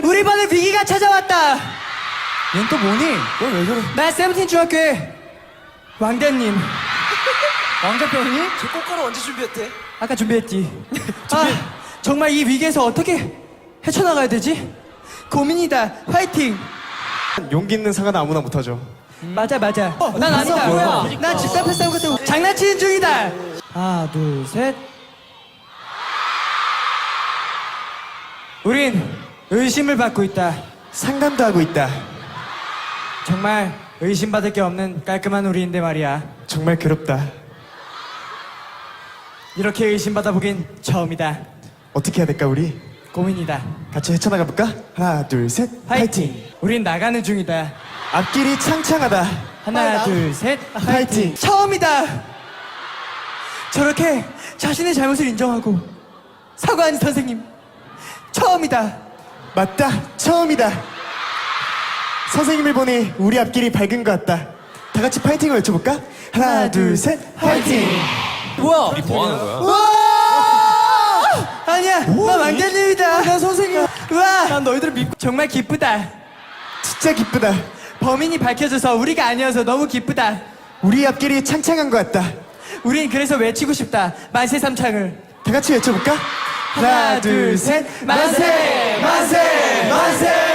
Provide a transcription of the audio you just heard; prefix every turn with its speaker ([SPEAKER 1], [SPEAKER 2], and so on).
[SPEAKER 1] 우리 반에 위기가 찾아왔다.
[SPEAKER 2] 얜 또 뭐니? 넌왜 저래?
[SPEAKER 1] 나 세븐틴 중학교의 왕대님.
[SPEAKER 2] 왕자병이?
[SPEAKER 3] 저 꽃가루 언제 준비했대?
[SPEAKER 1] 아까 준비했지. 정말 이 위기에서 어떻게 헤쳐나가야 되지? 고민이다. 화이팅.
[SPEAKER 4] 용기 있는 사과는 아무나 못하죠.
[SPEAKER 1] 맞아. 난 아니다.
[SPEAKER 2] 뭐야?
[SPEAKER 1] 난 집단 패스하고 같은 장난치는 중이다. 하나, 둘, 셋. 우린 의심을 받고 있다.
[SPEAKER 4] 상담도 하고 있다.
[SPEAKER 1] 정말 의심받을 게 없는 깔끔한 우리인데 말이야.
[SPEAKER 4] 정말 괴롭다.
[SPEAKER 1] 이렇게 의심받아 보긴 처음이다.
[SPEAKER 4] 어떻게 해야 될까 우리?
[SPEAKER 1] 고민이다.
[SPEAKER 4] 같이 헤쳐나가 볼까? 하나 둘 셋
[SPEAKER 1] 화이팅. 우린 나가는 중이다.
[SPEAKER 4] 앞길이 창창하다.
[SPEAKER 1] 하나, 둘, 셋.
[SPEAKER 4] 화이팅.
[SPEAKER 1] 처음이다. 저렇게 자신의 잘못을 인정하고 사과한 선생님. 처음이다.
[SPEAKER 4] 맞다. 처음이다. 선생님을 보니 우리 앞길이 밝은 것 같다. 다 같이 파이팅을 외쳐볼까? 하나 둘 셋 화이팅.
[SPEAKER 1] 뭐야?
[SPEAKER 3] 뭐 하는 거야?
[SPEAKER 1] 와! 아니야, 나
[SPEAKER 4] 뭐니?
[SPEAKER 1] 왕자님이다. 나 선생님. 와! 난 너희들을 믿고 정말 기쁘다.
[SPEAKER 4] 진짜 기쁘다.
[SPEAKER 1] 범인이 밝혀져서 우리가 아니어서 너무 기쁘다.
[SPEAKER 4] 우리 앞길이 창창한 것 같다.
[SPEAKER 1] 우린 그래서 외치고 싶다. 만세 삼창을.
[SPEAKER 4] 다 같이 외쳐볼까?
[SPEAKER 1] 하나, 둘, 셋. 만세! 만세! 만세!